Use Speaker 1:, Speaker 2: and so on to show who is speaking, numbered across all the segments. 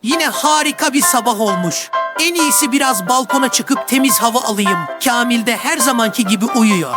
Speaker 1: Yine harika bir sabah olmuş. En iyisi biraz balkona çıkıp temiz hava alayım. Kamil de her zamanki gibi uyuyor.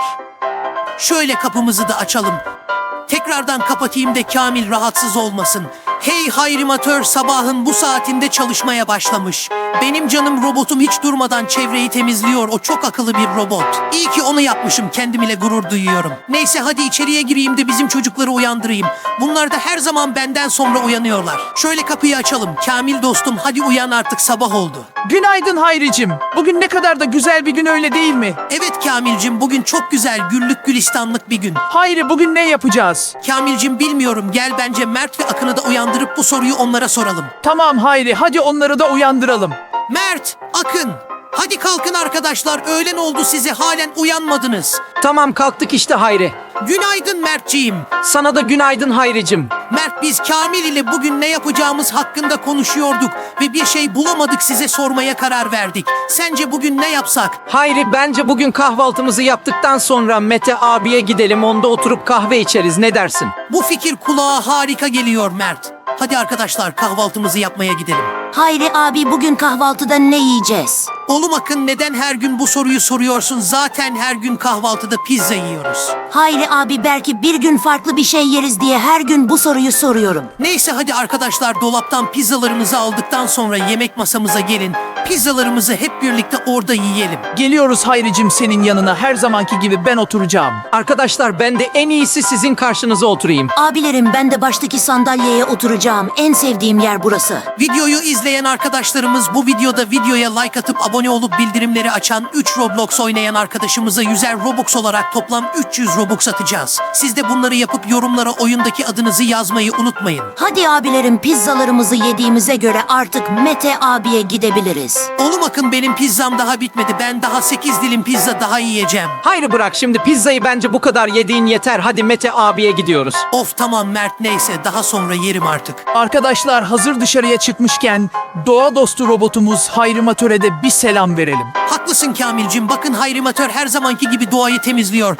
Speaker 1: Şöyle kapımızı da açalım. Tekrardan kapatayım da Kamil rahatsız olmasın. Hey hayrimatör sabahın bu saatinde çalışmaya başlamış. Benim canım robotum hiç durmadan çevreyi temizliyor. O çok akıllı bir robot. İyi ki onu yapmışım. Kendim ile gurur duyuyorum. Neyse hadi içeriye gireyim de bizim çocukları uyandırayım. Bunlar da her zaman benden sonra uyanıyorlar. Şöyle kapıyı açalım. Kamil dostum hadi uyan artık sabah oldu.
Speaker 2: Günaydın Hayricim. Bugün ne kadar da güzel bir gün öyle değil mi?
Speaker 1: Evet Kamilcim bugün çok güzel güllük gülistanlık bir gün.
Speaker 2: Hayri bugün ne yapacağız?
Speaker 1: Kamilcim bilmiyorum gel bence Mert ve Akın'ı da uyandırıp bu soruyu onlara soralım.
Speaker 2: Tamam Hayri hadi onları da uyandıralım.
Speaker 1: Mert, Akın, hadi kalkın arkadaşlar öğlen oldu size halen uyanmadınız.
Speaker 3: Tamam kalktık işte Hayri.
Speaker 1: Günaydın Mertciğim.
Speaker 3: Sana da günaydın Hayricim.
Speaker 1: Mert biz Kamil ile bugün ne yapacağımız hakkında konuşuyorduk ve bir şey bulamadık size sormaya karar verdik. Sence bugün ne yapsak?
Speaker 3: Hayri bence bugün kahvaltımızı yaptıktan sonra Mete abiye gidelim, onda oturup kahve içeriz, ne dersin?
Speaker 1: Bu fikir kulağa harika geliyor Mert. Hadi arkadaşlar kahvaltımızı yapmaya gidelim.
Speaker 4: Hayri abi bugün kahvaltıda ne yiyeceğiz?
Speaker 1: Oğlum Akın neden her gün bu soruyu soruyorsun? Zaten her gün kahvaltıda pizza yiyoruz.
Speaker 4: Hayri abi belki bir gün farklı bir şey yeriz diye her gün bu soruyu soruyorum.
Speaker 1: Neyse hadi arkadaşlar dolaptan pizzalarımızı aldıktan sonra yemek masamıza gelin. Pizzalarımızı hep birlikte orada yiyelim.
Speaker 2: Geliyoruz Hayricim senin yanına, her zamanki gibi ben oturacağım.
Speaker 3: Arkadaşlar ben de en iyisi sizin karşınıza oturayım.
Speaker 4: Abilerim ben de baştaki sandalyeye oturacağım. En sevdiğim yer burası.
Speaker 1: Videoyu izleyen arkadaşlarımız bu videoda videoya like atıp abone olup bildirimleri açan 3 Roblox oynayan arkadaşımıza 100'er Robux olarak toplam 300 Robux atacağız. Siz de bunları yapıp yorumlara oyundaki adınızı yazmayı unutmayın.
Speaker 4: Hadi abilerim pizzalarımızı yediğimize göre artık Mete abiye gidebiliriz.
Speaker 1: Oğlum Akın benim pizzam daha bitmedi. Ben daha 8 dilim pizza daha yiyeceğim.
Speaker 3: Hayri bırak şimdi pizzayı, bence bu kadar yediğin yeter. Hadi Mete abiye gidiyoruz.
Speaker 1: Of tamam Mert neyse daha sonra yerim artık.
Speaker 2: Arkadaşlar hazır dışarıya çıkmışken doğa dostu robotumuz Hayrimatör'e de bir selam verelim.
Speaker 1: Haklısın Kamilcim. Bakın Hayrimatör her zamanki gibi doğayı temizliyor.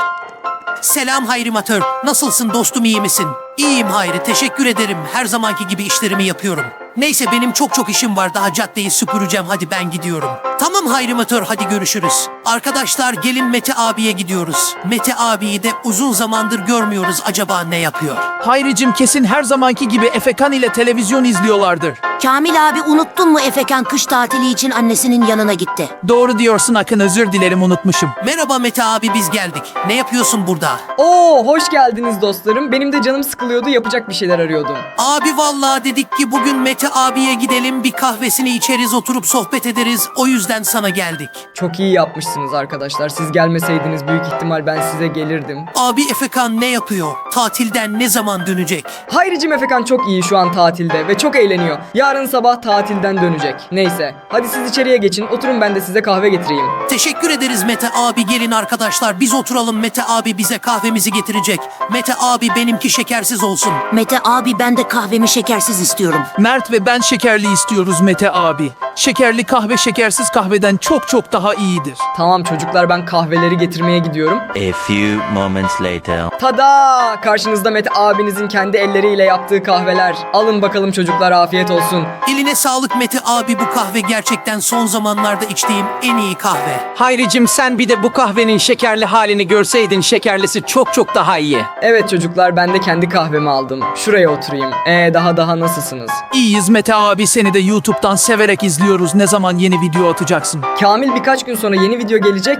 Speaker 1: Selam Hayrimatör. Nasılsın dostum, iyi misin? İyiyim Hayri, teşekkür ederim. Her zamanki gibi işlerimi yapıyorum. Neyse benim çok işim var. Daha caddeyi süpüreceğim. Hadi ben gidiyorum. Tamam Hayrimatör hadi görüşürüz. Arkadaşlar gelin Mete abiye gidiyoruz. Mete abiyi de uzun zamandır görmüyoruz. Acaba ne yapıyor?
Speaker 2: Hayricim kesin her zamanki gibi Efekan ile televizyon izliyorlardır.
Speaker 4: Kamil abi unuttun mu Efekan kış tatili için annesinin yanına gitti.
Speaker 2: Doğru diyorsun Akın, özür dilerim unutmuşum.
Speaker 1: Merhaba Mete abi biz geldik. Ne yapıyorsun burada?
Speaker 5: Oo, hoş geldiniz dostlarım. Benim de canım sıkılıyordu, yapacak bir şeyler arıyordum.
Speaker 1: Abi vallahi dedik ki bugün Mete abiye gidelim, bir kahvesini içeriz, oturup sohbet ederiz. O yüzden sana geldik.
Speaker 5: Çok iyi yapmışsınız arkadaşlar. Siz gelmeseydiniz büyük ihtimal ben size gelirdim.
Speaker 1: Abi Efekan ne yapıyor? Tatilden ne zaman dönecek?
Speaker 5: Hayricim Efekan çok iyi şu an tatilde ve çok eğleniyor. Yarın sabah tatilden dönecek. Neyse, hadi siz içeriye geçin, oturun ben de size kahve getireyim.
Speaker 1: Teşekkür ederiz Mete abi. Gelin arkadaşlar biz oturalım, Mete abi bize kahvemizi getirecek. Mete abi benimki şekersiz olsun.
Speaker 4: Mete abi ben de kahvemi şekersiz istiyorum.
Speaker 2: Mert ve ben şekerli istiyoruz Mete abi. Şekerli kahve şekersiz kahveden çok daha iyidir.
Speaker 5: Tamam çocuklar, ben kahveleri getirmeye gidiyorum.
Speaker 6: A few moments later.
Speaker 5: Tada! Karşınızda Mete abinizin kendi elleriyle yaptığı kahveler. Alın bakalım çocuklar, afiyet olsun.
Speaker 1: Eline sağlık Mete abi, bu kahve gerçekten son zamanlarda içtiğim en iyi kahve.
Speaker 3: Hayricim sen bir de bu kahvenin şekerli halini görseydin, şekerlisi çok daha iyi.
Speaker 5: Evet çocuklar, ben de kendi kahvemi aldım. Şuraya oturayım. Daha nasılsınız?
Speaker 2: İyiyiz Mete abi, seni de YouTube'dan severek izliyoruz. Ne zaman yeni video atacaksın?
Speaker 5: Kamil birkaç gün sonra yeni video gelecek.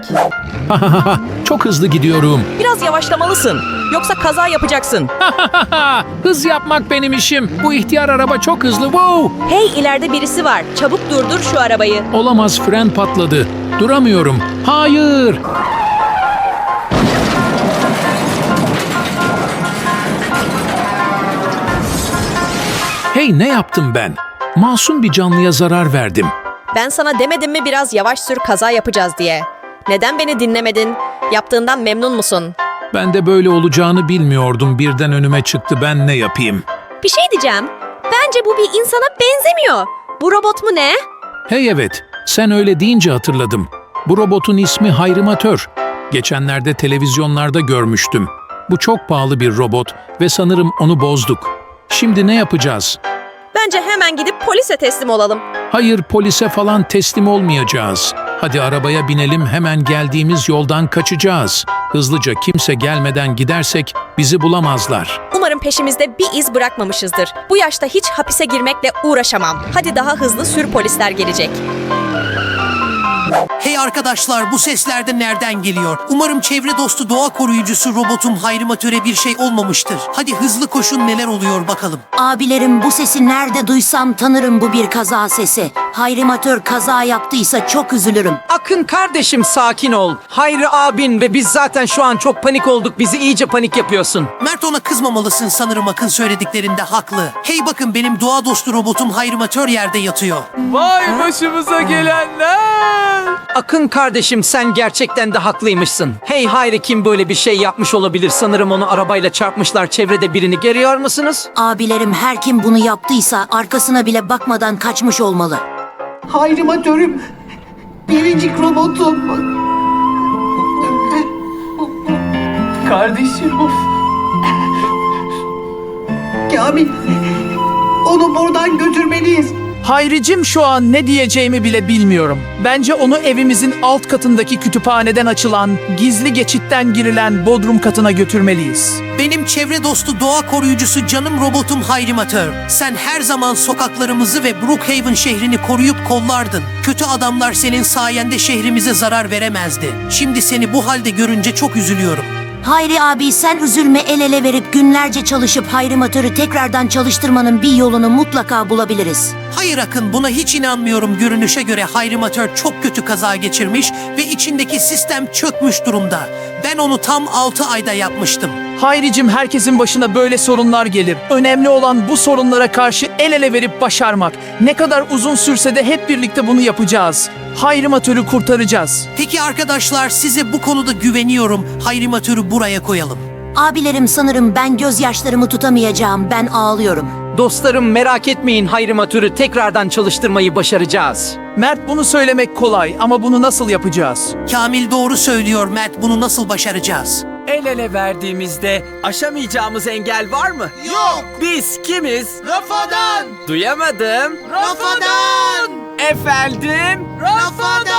Speaker 7: Çok hızlı gidiyorum.
Speaker 8: Biraz yavaşlamalısın. Yoksa kaza yapacaksın.
Speaker 7: Hız yapmak benim işim. Bu ihtiyar araba çok hızlı. Wow!
Speaker 8: Hey, ileride birisi var. Çabuk durdur şu arabayı.
Speaker 7: Olamaz, fren patladı. Duramıyorum. Hayır! Hey, ne yaptım ben? Masum bir canlıya zarar verdim.
Speaker 8: Ben sana demedim mi biraz yavaş sür, kaza yapacağız diye. Neden beni dinlemedin? Yaptığından memnun musun?
Speaker 7: Ben de böyle olacağını bilmiyordum. Birden önüme çıktı. Ben ne yapayım?
Speaker 8: Bir şey diyeceğim. Bence bu bir insana benzemiyor. Bu robot mu ne?
Speaker 7: Hey evet, sen öyle deyince hatırladım. Bu robotun ismi Hayrimatör. Geçenlerde televizyonlarda görmüştüm. Bu çok pahalı bir robot ve sanırım onu bozduk. Şimdi ne yapacağız?
Speaker 8: Bence hemen gidip polise teslim olalım.
Speaker 7: Hayır, polise falan teslim olmayacağız. Hadi arabaya binelim, hemen geldiğimiz yoldan kaçacağız. Hızlıca, kimse gelmeden gidersek bizi bulamazlar.
Speaker 8: Umarım peşimizde bir iz bırakmamışızdır. Bu yaşta hiç hapise girmekle uğraşamam. Hadi daha hızlı sür, polisler gelecek.
Speaker 1: Hey arkadaşlar, bu sesler de nereden geliyor? Umarım çevre dostu doğa koruyucusu robotum Hayrimatör'e bir şey olmamıştır. Hadi hızlı koşun, neler oluyor bakalım.
Speaker 4: Abilerim, bu sesi nerede duysam tanırım, bu bir kaza sesi. Hayrimatör kaza yaptıysa çok üzülürüm.
Speaker 3: Akın kardeşim, sakin ol. Hayri abin ve biz zaten şu an çok panik olduk. Bizi iyice panik yapıyorsun.
Speaker 1: Mert, ona kızmamalısın, sanırım Akın söylediklerinde haklı. Hey bakın, benim doğa dostu robotum Hayrimatör yerde yatıyor.
Speaker 2: Vay başımıza gelenler!
Speaker 3: Akın kardeşim, sen gerçekten de haklıymışsın. Hey Hayri, kim böyle bir şey yapmış olabilir? Sanırım onu arabayla çarpmışlar. Çevrede birini görüyor musunuz?
Speaker 4: Abilerim, her kim bunu yaptıysa arkasına bile bakmadan kaçmış olmalı.
Speaker 1: Hayrimatör'üm, biricik robotum.
Speaker 2: Kardeşim, of.
Speaker 1: Kamil, onu buradan götürmeliyiz.
Speaker 2: Hayricim, şu an ne diyeceğimi bile bilmiyorum. Bence onu evimizin alt katındaki kütüphaneden açılan, gizli geçitten girilen bodrum katına götürmeliyiz.
Speaker 1: Benim çevre dostu doğa koruyucusu canım robotum Hayrimatör. Sen her zaman sokaklarımızı ve Brookhaven şehrini koruyup kollardın. Kötü adamlar senin sayende şehrimize zarar veremezdi. Şimdi seni bu halde görünce çok üzülüyorum.
Speaker 4: Hayri abi, sen üzülme, el ele verip günlerce çalışıp Hayrimatör'ü tekrardan çalıştırmanın bir yolunu mutlaka bulabiliriz.
Speaker 1: Hayır Akın, buna hiç inanmıyorum. Görünüşe göre Hayrimatör çok kötü kaza geçirmiş ve içindeki sistem çökmüş durumda. Ben onu tam 6 ayda yapmıştım.
Speaker 2: Hayricim, herkesin başına böyle sorunlar gelir. Önemli olan bu sorunlara karşı el ele verip başarmak. Ne kadar uzun sürse de hep birlikte bunu yapacağız. Hayrimatör'ü kurtaracağız.
Speaker 1: Peki arkadaşlar, size bu konuda güveniyorum. Hayrimatör'ü buraya koyalım.
Speaker 4: Abilerim, sanırım ben gözyaşlarımı tutamayacağım. Ben ağlıyorum.
Speaker 3: Dostlarım, merak etmeyin, Hayrimatör'ü tekrardan çalıştırmayı başaracağız.
Speaker 2: Mert, bunu söylemek kolay ama bunu nasıl yapacağız?
Speaker 1: Kamil doğru söylüyor Mert, bunu nasıl başaracağız?
Speaker 9: El ele verdiğimizde aşamayacağımız engel var mı? Yok. Biz kimiz? Rafadan. Duyamadım. Rafadan. Efendim? Rafadan.